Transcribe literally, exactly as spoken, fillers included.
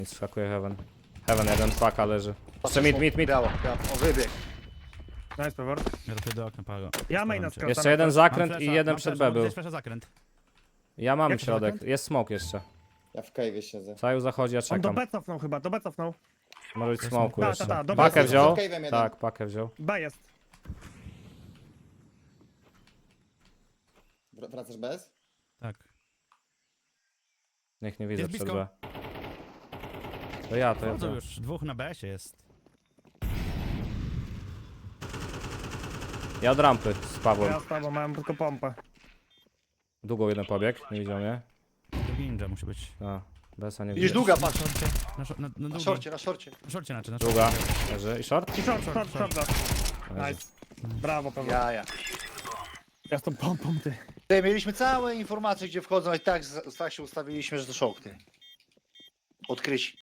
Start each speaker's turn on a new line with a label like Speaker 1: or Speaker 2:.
Speaker 1: Nie skakuje Heaven. Heaven jeden, paka leży. Jeszcze mid, mid, mid.
Speaker 2: Biało, biało. O, wybieg.
Speaker 3: Nice, Pewor.
Speaker 4: Ja robię do okna, Pago.
Speaker 3: Ja maina
Speaker 4: Staram cię.
Speaker 3: skracam.
Speaker 1: Jeszcze jeden
Speaker 4: Mam
Speaker 1: zakręt
Speaker 4: flasha,
Speaker 1: i jeden
Speaker 4: mam
Speaker 1: przed
Speaker 4: flasha,
Speaker 1: B był.
Speaker 4: gdzieś flasha zakręt.
Speaker 1: Ja mam
Speaker 3: Jaki
Speaker 1: środek.
Speaker 3: zakręt?
Speaker 1: Jest smoke jeszcze.
Speaker 5: Ja w cave'ie siedzę.
Speaker 1: Saju zachodzi, ja
Speaker 3: On do
Speaker 1: czekam.
Speaker 3: B cofnął chyba, do B cofnął.
Speaker 1: Może być
Speaker 4: Jest
Speaker 1: smoku
Speaker 4: smoku.
Speaker 3: Ta,
Speaker 1: jeszcze.
Speaker 3: ta, ta, do
Speaker 1: Pakę
Speaker 3: B.
Speaker 1: wziął?
Speaker 5: Za cave'em jeden.
Speaker 1: Tak, pakę wziął.
Speaker 3: B jest.
Speaker 5: Wr- Wracasz bez?
Speaker 4: Tak.
Speaker 1: Niech nie widzę
Speaker 4: Jest
Speaker 1: przed
Speaker 4: blisko.
Speaker 1: B. To ja, to ja.
Speaker 4: Chodzą
Speaker 1: To.
Speaker 4: już, dwóch na B S-ie jest.
Speaker 1: Ja od rampy z Pawłem.
Speaker 3: Ja z tobą mam tylko pompę.
Speaker 1: Długo jeden pobieg, nie widział mnie.
Speaker 4: Drugi ninja musi być.
Speaker 1: A, Besa nie
Speaker 2: Widzisz
Speaker 1: widzę.
Speaker 2: długa,
Speaker 4: Na
Speaker 2: patrz.
Speaker 4: szorcie, na, szor- na, na,
Speaker 2: Na
Speaker 4: długi.
Speaker 2: szorcie, na szorcie.
Speaker 4: Na szorcie znaczy, na szorcie.
Speaker 1: Długa. Leży. I short?
Speaker 3: I short, short, short, short.
Speaker 1: Leży.
Speaker 3: Nice. Brawo, Pewor.
Speaker 2: Ja, ja.
Speaker 3: Ja z tą pompą, ty.
Speaker 2: Tutaj mieliśmy całe informacje, gdzie wchodzą, i tak, z- tak się ustawiliśmy, że to szok, ty. Odkryć.